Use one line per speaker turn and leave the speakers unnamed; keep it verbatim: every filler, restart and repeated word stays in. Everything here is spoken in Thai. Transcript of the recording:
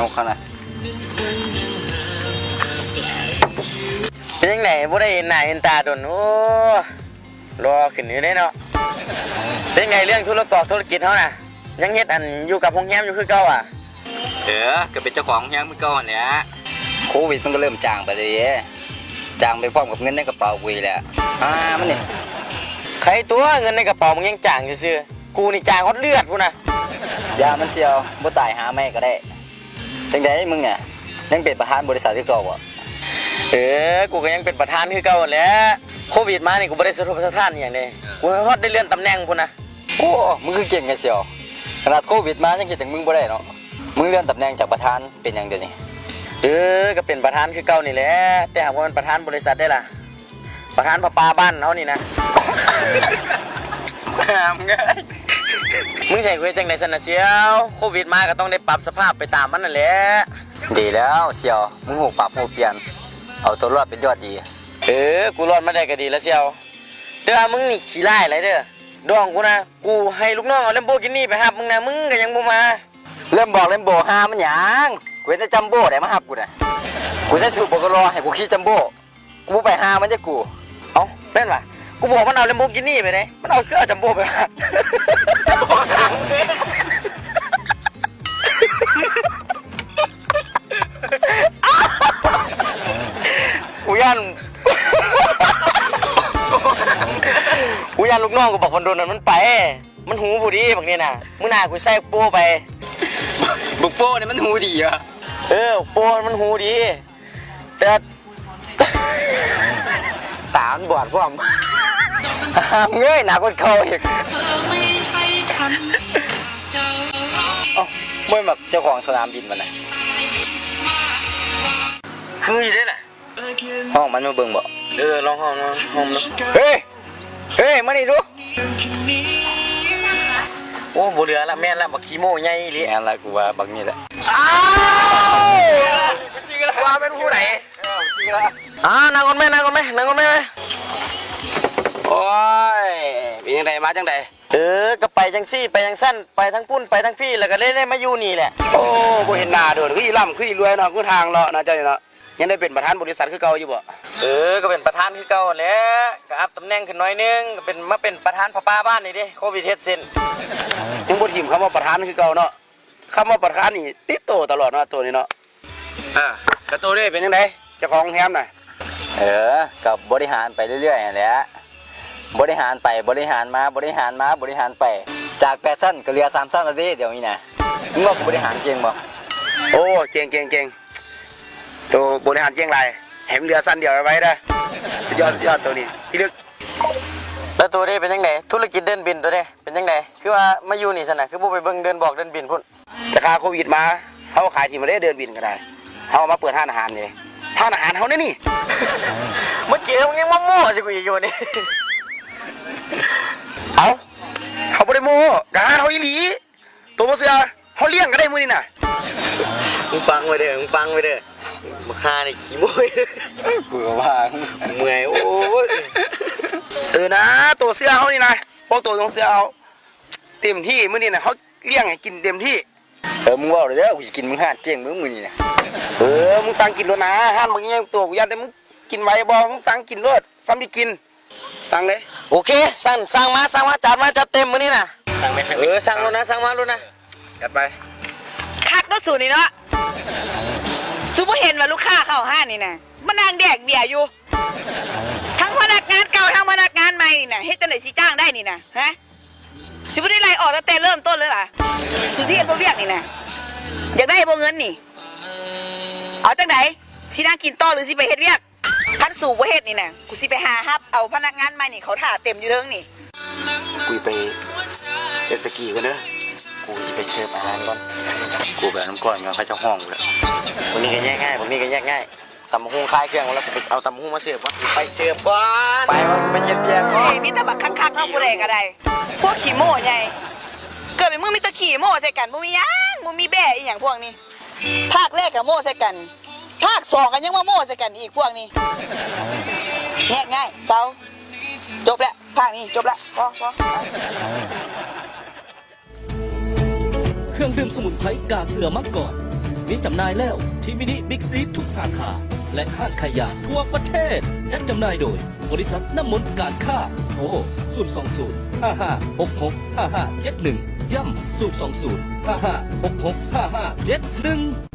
ยกเขานะ
เป็นยังไงบ่ได้เห็นหน้าเห็นตาโดนโอ้รอขึ้นอยู่ได้เนาะเป็นไงเรื่องธุรกอกธุรกิจเขาน่ะยังเฮ็ดอันอยู่กับโรงแรมอยู่คือเก่าอ่ะ
เออก็เป็นเจ้าของยังมือก่อนเนี่ยโควิดมันก็เริ่มจางไปเลยจางไปพร้อมกับเงินในกระเป๋ากูแหละอ่ามันนี่
ใครตัวเงินในกระเป๋ามึงยังจ่างซื่อกูนี่จ่างฮอดเลือดพูนะ
ยามันเชียวบ่ตายหาแม่ก็ได้จังไดมึงเนี่ยยังเป็นประธานบริษัทที่เก่าบ่
เออกูก็ยังเป็นประธานคือเก่าแหละโควิดมานี่กูบ่ได้สะทกสะท้านอย่างนี้กูฮอดได้เลื่อนตำแหน่งพูนะ
โอ้มึงคือเก่งกันเชียวขนาดโควิดมายังคิดถึงมึงบ่ได้เนาะมึงเลื่อนตำแหน่งจากประธานเป็นอย่างเดียวนี่
เออก็เป็นประธานคือเก่านี่แหละแต่หากว่ามันประธานบริษัทได้ล่ะประธานประปาบ้านเขานี่นะ
มึงไง
มึงใส่คุยจังไหนสนะเชียวโควิดมาก็ต้องได้ปรับสภาพไปตามมันนั่นแหละ
ดีแล้วเชียวมึงหูปรับหูเปลี่ยนเอาตัวรอดเป็นยอดดี
เออกูรอดมาได้ก็ดีแล้วเชียวแต่ว่ามึงนี่ขี้ไล่อะไรเด้อดองกูนะกูให้ลูกน้องเอาเลมโบกินี่ไปหับมึงนะมึงก็ยังบ่มา
เริ่มบอกเริ่มโบฮามันหยังกูจะจัมโบ้ได้มาหับกูนะกูใช้สูตรบอกรอให้กูขี่จัมโบ้กูไปหามันจะกู
เอ้าเป็นวะกูบอกมันเอาเลมโบกินี่ไปเลยมันเอาเครื่องจัมโบ้ไปหับกูยันกูยันลูกน้องกูบอกคนโดนนั้นมันไปมันหูบุดีแบบนี้นะมึงน่ากูใส่โป้ไป
บุกโป้เนี่ยมันหูดีอะ
เออโป้มันหูดีแต่ตามันบอดพวก
เงยหนักกว่าเขาอีกเอ้าไม่แบบเจ้าของสนามบินมันนะ
คืออยู่ได้แหละ
ห้องมันมาเบิ่งบ่
เออลองห้องห้องนะ
เฮ้ยเฮ้ยมานี่ดู
โอ้บุเรือละแม่นละบักขี้โม่ใหญ่ลิ
แม่นละกูว่าบักนี่แหละ
อ้าวว่าเป็นผู้ไหนอ่านางคนแม่นางคนแม่นางคนแม่
โอ้ยเป็นยังไงมาจังได
เออก็ไปจังซี่ไปจังสั้นไปทั้งปุ้นไปทั้งพี่แล้วก็เล่นมาอยู่นี่แหละ
โอ้บ่เห็นหน้าโดดคืออีล่ำคืออีรวยเนาะคือทางเลาะนะเจ้านี่เนาะยังได้เป็นประธานบริษัทคือเก่าอยู่บ่
เออก็เป็นประธานคือเก่าแหละก็อัพตำแหน่งขึ้นหน่อยนึงก็เป็นมาเป็นประธานพ่อป้าบ้านนี่ดิโควิดเฮ็ดเซ็น
ยังบ่ทิ่มคำว่าประธานคือเก่าเนาะคำว่าประธานนี่ติดโตตลอดเนาะตัวนี้เนาะอ่าแล้วตัวนี้เป็นยังไงเจ้าของแฮมน่ะเออกับบริหารไปเรื่อยๆแหละบริหารไปบริหารมาบริหารมาบริหารไปจากแปดสั้นก็เหลือสามสั้นแล้วดิเดี๋ยวนี้นะมึงว่ากูบริหารเก่งบ่โอ้เก่งเก่งเก่งตัวบริหารเก่งไรแหมเหลือสั้นเดียวไว้ได้สุดยอดสุดยอดตัวนี้พี่ลึก
แล้วตัวนี้เป็นยังไงธุรกิจเดินบินตัวนี้เป็นยังไงคือว่ามาอยู่นี่สนะคือพวกไปเบิ่งเดินบอกเดินบินพุ่น
จะคาโควิดมาเขาขายที่มาได้เดินบินก็ได้เขามาเปิดห้างอาหารเลยห้างอาหารเขาเนี่ยนี่
เมื่อกี้มึงยังมาโม่สิกูอีกอยู่นี่
เอาเขาไม่ได้โม่กาเขาอีหลีตัวโมเสือเขาเลี้ยงก็ได้มือนี่น่ะ
มึงฟังไว้เด้อมึงฟังไว้เด้อมาฆ่าในขี้โม่
กูก็ว่า
เมื่อยโอ้ย
เออนะตัวเสือเขานี่นะพวกตัวตรงเสือเขาเต็มที่มือนี่น่ะเขาเลี้ยงให้กินเต็มที่เออมึงว่าเลยเด้อกูจะกินมึงห้าเจียงมึงมือนี่นะเออมึงสั่งกินรถนะห้านมึงยังตัวกูยันแต่มึงกินไว้บ่มึงสั่งกินรถซ้ำที่กินสั่งเลย
โอเคสั่งสั่งมาสั่งมาจัดมาจัดเต็มมื้อนี้น่ะ
สั่งไหมสั่ง
เออสั่งแล้วนะสั่งมาแล้วนะ
จัดไป
คักรถสูนี่เนาะซูเปอร์เห็นว่าลูกค้าเข้าห้างนี่นะมันนางแดกเบียร์อยู่ทั้งพนักงานเก่าทั้งพนักงานใหม่นี่นะเฮ็ดจังได๋สิจ้างได้นี่นะฮะสิบ่ได้ไล่ออกตั้งแต่เริ่มต้นเลยล่ะสุสิเฮ็ดบ่เวียกนี่นะอยากได้บ่เงินนี่เอาจังได๋สินั่งกินต่อหรือสิไปเฮ็ดเวียกคันสู่บ่เฮ็ดนี่นะกูสิไปหาฮับเอาพนักงานใหม่นี่เขาท่าเต็มอยู่เทิงนี่
กูไปเซตสกีกันเด้อกูจะไปเสิร์ฟอาหารก่อนกูแบบน้ำก้อนกันเขาจะห้องเลย
วันนี้ก็แยกง่ายวันนี้ก็แยกง่ายตำหุ้งคลายเครื่องแล้วกูไปเอาตำหุ้งมาเสิร์ฟวะไปเสิร์ฟก่อน
ไปว่าไปเย็นเย็นก่อน
มีแต่บักคักๆเนาะผู้ใดก็ได้พวกขี้โม่ใหญ่เกิดเป็นมึงมีตะขี้โม่ใส่กันบ่มีหยังบ่มีแบ่อีหยังพวกนี้ภาคแรกก็โม่ใส่กันภาคสองกันยังมาโม่ใส่กันอีกพวกนี้แยกง่ายเซาจบแล้วภาคนี้จบแล้วพอพอ
เครื่องดื่มสมุนไพรกาเสือมังกรมีจำหน่ายแล้วที่มินิบิ๊กซีทุกสาขา และห้างขายยาทั่วประเทศจัดจำหน่ายโดย บริษัทน้ำมนต์การค้าโทร ศูนย์ สอง ศูนย์ ห้า ห้า หก หก ห้า ห้า เจ็ด หนึ่ง ย้ำ ศูนย์ สอง ศูนย์ ห้า ห้า หก หก ห้า ห้า เจ็ด หนึ่ง